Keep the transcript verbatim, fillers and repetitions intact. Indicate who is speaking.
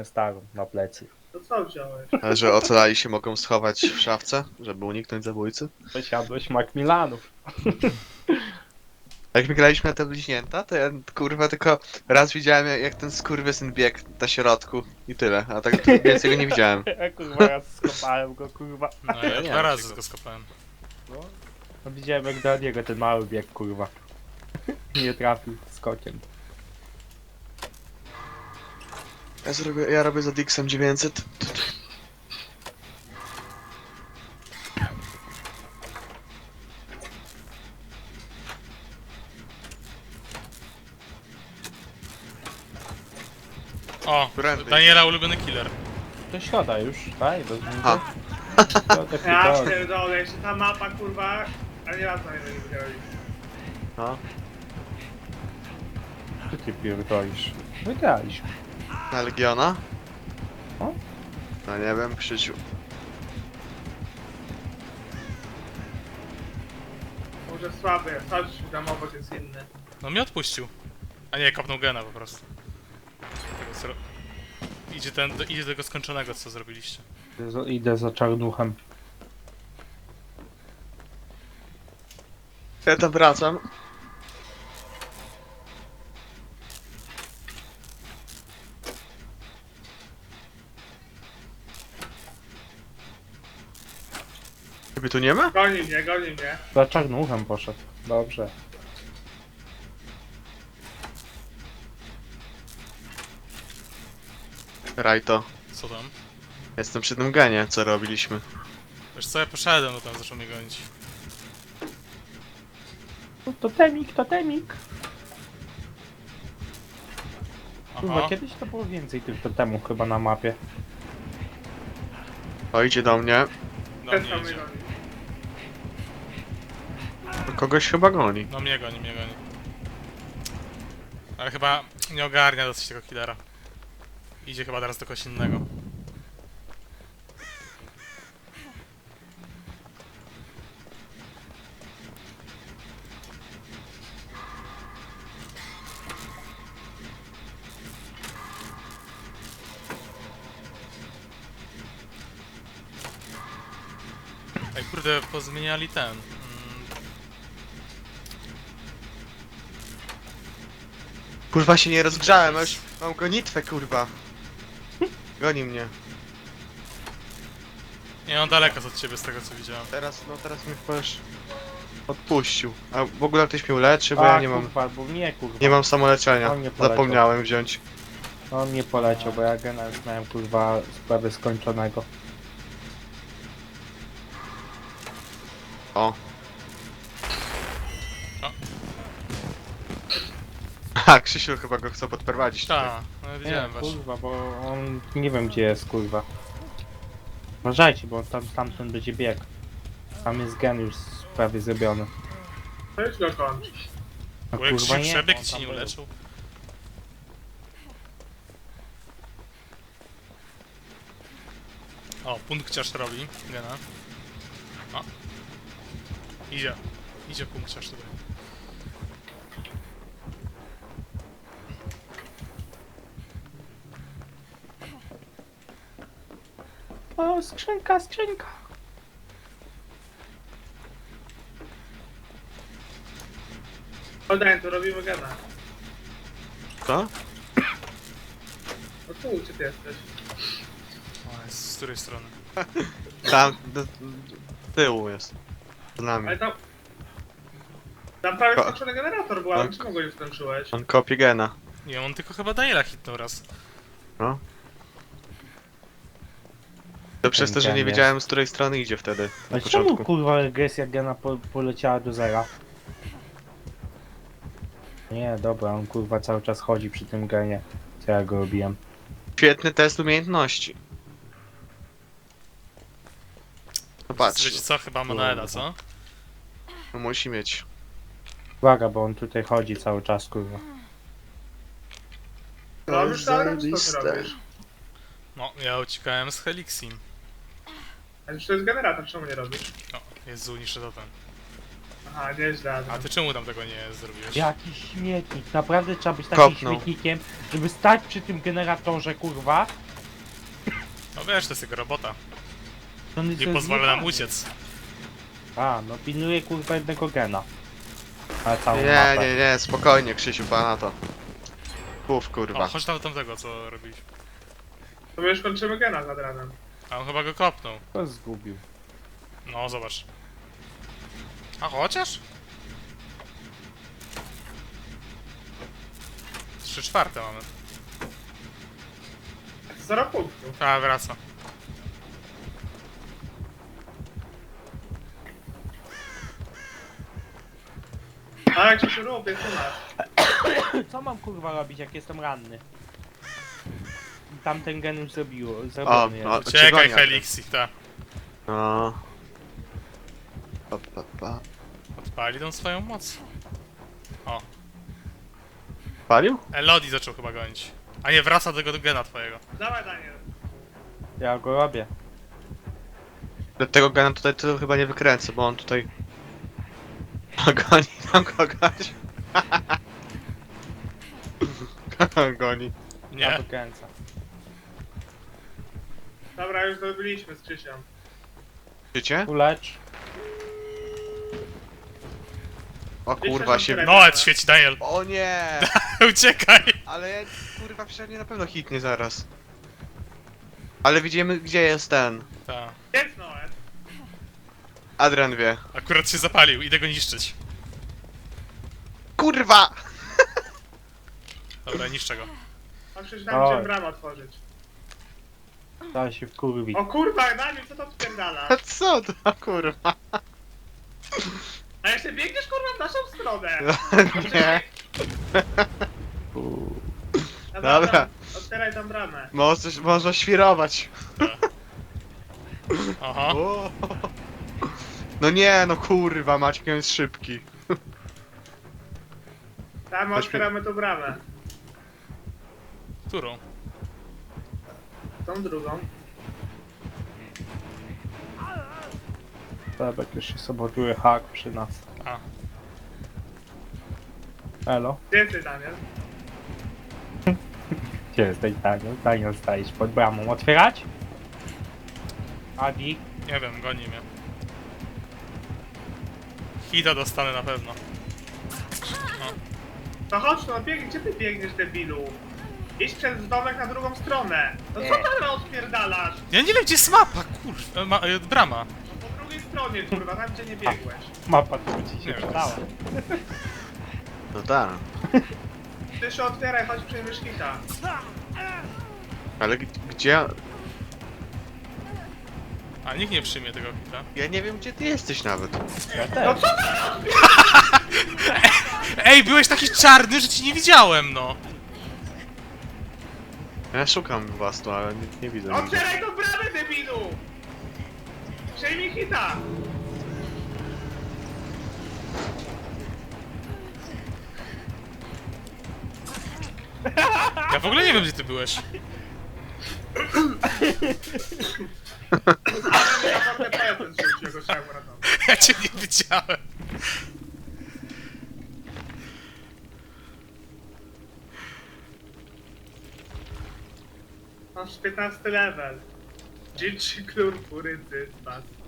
Speaker 1: wziąłem starą na plecy.
Speaker 2: To co wziąłeś?
Speaker 3: Ale że ocalali się mogą schować w szafce, żeby uniknąć zabójcy?
Speaker 1: Posiadłeś Macmillanów.
Speaker 3: A jak my graliśmy na te bliźnięta, to ja kurwa tylko raz widziałem jak, jak ten skurwysyn biegł na środku i tyle, a tak więcej go nie widziałem.
Speaker 1: Ja kurwa raz skopałem go, kurwa.
Speaker 4: No ja
Speaker 3: nie
Speaker 4: dwa
Speaker 3: wiem,
Speaker 4: razy
Speaker 3: czego.
Speaker 4: go skopałem.
Speaker 1: No, no widziałem jak do niego ten mały bieg, kurwa. Nie trafił skokiem.
Speaker 3: Ja, zrobię, ja robię za Dixem dziewięćset.
Speaker 4: O,
Speaker 3: Prędzej.
Speaker 4: Daniela ulubiony killer.
Speaker 1: To środa już, tak? Bez
Speaker 3: A.
Speaker 1: Środa,
Speaker 2: Ja
Speaker 1: pierdolę.
Speaker 2: pierdolę, jeszcze ta mapa kurwa, a nie raz na niego nie wygrali.
Speaker 3: No.
Speaker 1: Co ty pierdolisz? Wygraliśmy.
Speaker 3: Na Legiona?
Speaker 1: O?
Speaker 3: No nie wiem, Krzysiu.
Speaker 2: Może słaby jest, chodź, tam obok jest inny.
Speaker 4: No mnie odpuścił. A nie, kopnął gena po prostu. Tego zro... Idzie, ten, do, idzie do tego skończonego, co zrobiliście.
Speaker 1: Idę za- Idę za czarnuchem.
Speaker 3: Ja tam wracam. Ciebie tu nie ma?
Speaker 2: Goni mnie, goni mnie.
Speaker 1: Za czarnuchem poszedł. Dobrze.
Speaker 3: Rajto.
Speaker 4: Co tam?
Speaker 3: Jestem przy tym genie, co robiliśmy.
Speaker 4: Wiesz co, ja poszedłem, no tam zaczął mnie gonić.
Speaker 1: No, totemik, totemik. Kurwa,
Speaker 4: Aha.
Speaker 1: kiedyś to było więcej tych totemów chyba na mapie.
Speaker 3: O, idzie do mnie.
Speaker 4: No
Speaker 2: Ten
Speaker 4: mnie
Speaker 2: sam mnie
Speaker 4: idzie.
Speaker 2: goni.
Speaker 3: Kogoś chyba goni.
Speaker 4: No mnie goni, mnie goni. Ale chyba nie ogarnia dosyć tego killera. Idzie chyba teraz do kogoś innego. Ej, kurde, pozmieniali ten. Mm,
Speaker 3: Kurwa się nie rozgrzałem, a już mam gonitwę, kurwa. Goni mnie.
Speaker 4: nie, on daleko jest od ciebie z tego co widziałem.
Speaker 3: Teraz, no teraz mnie chyba już odpuścił. A w ogóle ktoś mnie uleczy, bo
Speaker 1: A,
Speaker 3: ja nie mam,
Speaker 1: kurwa, bo nie kurwa.
Speaker 3: nie mam samoleczenia.
Speaker 1: On nie poleciał.
Speaker 3: Zapomniałem wziąć.
Speaker 1: On nie poleciał, bo ja gena już miałem kurwa sprawy skończonego.
Speaker 3: O.
Speaker 4: O.
Speaker 3: A, Krzysiu chyba go chce podprowadzić tutaj.
Speaker 4: Ta, no widziałem
Speaker 1: Nie,
Speaker 4: właśnie.
Speaker 1: kurwa, bo on nie wiem gdzie jest kurwa. Uważajcie, bo on tam stamtąd będzie bieg. Tam jest gen już prawie zrobiony.
Speaker 2: To już go kończy.
Speaker 1: No
Speaker 4: Bo jak
Speaker 1: kurwa
Speaker 4: się
Speaker 1: nie,
Speaker 4: przebiegł
Speaker 1: on
Speaker 4: i ci
Speaker 1: tam
Speaker 4: nie
Speaker 1: był.
Speaker 4: uleczył. O, punkciarz robi, gena. O. Idzie. Idzie punkciarz tutaj.
Speaker 1: O, skrzynka, skrzynka.
Speaker 2: Oddaj, tu robimy gena.
Speaker 3: Co?
Speaker 2: No tu, gdzie ty jesteś?
Speaker 4: O, jest z której strony?
Speaker 3: Tam, do, do tyłu jest. Z nami.
Speaker 2: Ale tam... Tam prawie
Speaker 3: Ko-
Speaker 2: skończony generator był, ale
Speaker 3: Tak.
Speaker 2: czemu go nie skończyłeś?
Speaker 3: On kopie gena.
Speaker 4: Nie, on tylko chyba Daniela hitnął raz.
Speaker 3: No. To przez to, że
Speaker 1: gen
Speaker 3: nie
Speaker 1: jest.
Speaker 3: wiedziałem z której strony idzie wtedy. Na
Speaker 1: A czemu
Speaker 3: początku.
Speaker 1: kurwa regresja gena po, poleciała do zera? Nie, dobra, on kurwa cały czas chodzi przy tym genie. Co ja go robiłem?
Speaker 3: Świetny test umiejętności. No patrz,
Speaker 4: Wiecie co? Chyba Manuela, co?
Speaker 3: no musi mieć.
Speaker 1: Uwaga, bo on tutaj chodzi cały czas kurwa.
Speaker 2: Robisz to, ale co ty
Speaker 3: Zajebiste.
Speaker 2: robisz?
Speaker 4: No, ja uciekałem z Helixim.
Speaker 2: Ale to jest generator, czemu nie robisz?
Speaker 4: O, Jezu, niszczy to ten.
Speaker 2: Aha, nieźle.
Speaker 4: A ty czemu tam tego nie zrobiłeś?
Speaker 1: Jaki śmietnik, naprawdę trzeba być takim
Speaker 3: Kopnął.
Speaker 1: śmietnikiem, żeby stać przy tym generatorze kurwa
Speaker 4: No wiesz, to jest jego robota.
Speaker 1: On jest
Speaker 4: Nie pozwala nam
Speaker 1: zjebany.
Speaker 4: uciec.
Speaker 1: A, no pilnuje kurwa jednego gena. Ale całą
Speaker 3: Nie,
Speaker 1: mapę.
Speaker 3: nie, nie, spokojnie, Krzysiu, pana to. Puf,
Speaker 4: O,
Speaker 3: kurwa.
Speaker 4: chodź tam do tamtego, co robiliśmy.
Speaker 2: To my już kończymy gena nad ranem.
Speaker 4: A on chyba go kopnął.
Speaker 1: To zgubił.
Speaker 4: No, zobacz. A chociaż? Trzy czwarte mamy.
Speaker 2: Zero punktów.
Speaker 4: A, wraca.
Speaker 2: A jak się robię, to masz.
Speaker 1: Co mam kurwa robić, jak jestem ranny? Tamten gen już zrobiło,
Speaker 3: O,
Speaker 1: zrobiony
Speaker 3: no,
Speaker 1: jest.
Speaker 4: Uciekaj,
Speaker 3: Cigonia.
Speaker 4: Helixi, ta.
Speaker 3: No. Pa, pa, pa.
Speaker 4: Odpali tą swoją moc. O,
Speaker 3: Palił?
Speaker 4: Elodie zaczął chyba gonić. A nie, wraca do tego gena twojego.
Speaker 2: Dawaj, Daniel.
Speaker 1: Ja go robię.
Speaker 3: Do tego gana tutaj to chyba nie wykręcę, bo on tutaj... Goni tam kogoś. Goni.
Speaker 1: Ja
Speaker 4: Nie?
Speaker 1: to kręcę.
Speaker 2: Dobra, już zrobiliśmy z Krzysiem.
Speaker 3: Widzicie?
Speaker 1: Ulecz.
Speaker 3: O kurwa się...
Speaker 4: No, et świeci, Daniel.
Speaker 3: O nie!
Speaker 4: Uciekaj!
Speaker 3: Ale ja, kurwa przynajmniej na pewno hitnie zaraz. Ale widzimy gdzie jest ten.
Speaker 4: Ta.
Speaker 2: Jest Noet.
Speaker 3: Adrian wie.
Speaker 4: Akurat się zapalił, idę go niszczyć.
Speaker 3: Kurwa!
Speaker 4: Dobra, niszczę go.
Speaker 2: On przecież tam
Speaker 1: Oj.
Speaker 2: chciałem bramę otworzyć.
Speaker 1: Trzeba się wkurwić.
Speaker 2: O kurwa, Daniel, co to odpierdala?
Speaker 3: A co to kurwa?
Speaker 2: A jeszcze biegniesz kurwa w naszą stronę.
Speaker 3: Nie.
Speaker 2: No
Speaker 3: Dobra.
Speaker 2: Otwieraj tam bramę.
Speaker 3: Można, można świrować.
Speaker 4: Aha.
Speaker 3: O. No nie, no kurwa, Maciek on jest szybki.
Speaker 2: Tam
Speaker 3: Weźmy-
Speaker 2: otwieramy tą bramę.
Speaker 4: Którą?
Speaker 2: Tą drugą.
Speaker 1: Dobra, jeszcze sabotuje hak przy nas.
Speaker 4: A.
Speaker 1: Elo?
Speaker 2: Gdzie jesteś, Daniel?
Speaker 1: Gdzie jesteś, Daniel? Daniel, stajesz pod bramą. Otwierać? Adi?
Speaker 4: Nie wiem, goni mnie. Hita dostanę na pewno.
Speaker 2: To chodź, no biegnie, gdzie ty biegniesz, debilu? Idź przez domek na drugą stronę. No co tam odpierdalasz?
Speaker 4: Ja nie wiem, gdzie jest mapa, kurwa. Ma, e, brama.
Speaker 2: No po drugiej stronie, kurwa, tam gdzie nie biegłeś.
Speaker 1: Mapa tu ci się
Speaker 4: Nie wiem.
Speaker 1: przydała.
Speaker 3: No tak.
Speaker 2: Ty się otwieraj, chodź przejmiesz hita.
Speaker 3: Ale g- gdzie...
Speaker 4: A nikt nie przyjmie tego hita.
Speaker 3: Ja nie wiem gdzie ty jesteś nawet.
Speaker 1: Ja
Speaker 2: No
Speaker 1: też.
Speaker 2: co ty?
Speaker 4: Ej, byłeś taki czarny, że ci nie widziałem, no.
Speaker 3: Ja szukam was tu, ale nie, nie widzę. nigdzie.
Speaker 2: Otwieraj tą bramę, debilu! Przejmij hita!
Speaker 4: Ja w ogóle nie wiem, gdzie ty byłeś.
Speaker 2: Ale mi na portę prezent rzucił, go trzeba uratować.
Speaker 4: Ja cię nie widziałem.
Speaker 2: Masz piętnasty level. Dzieci klur, kurycy, pas.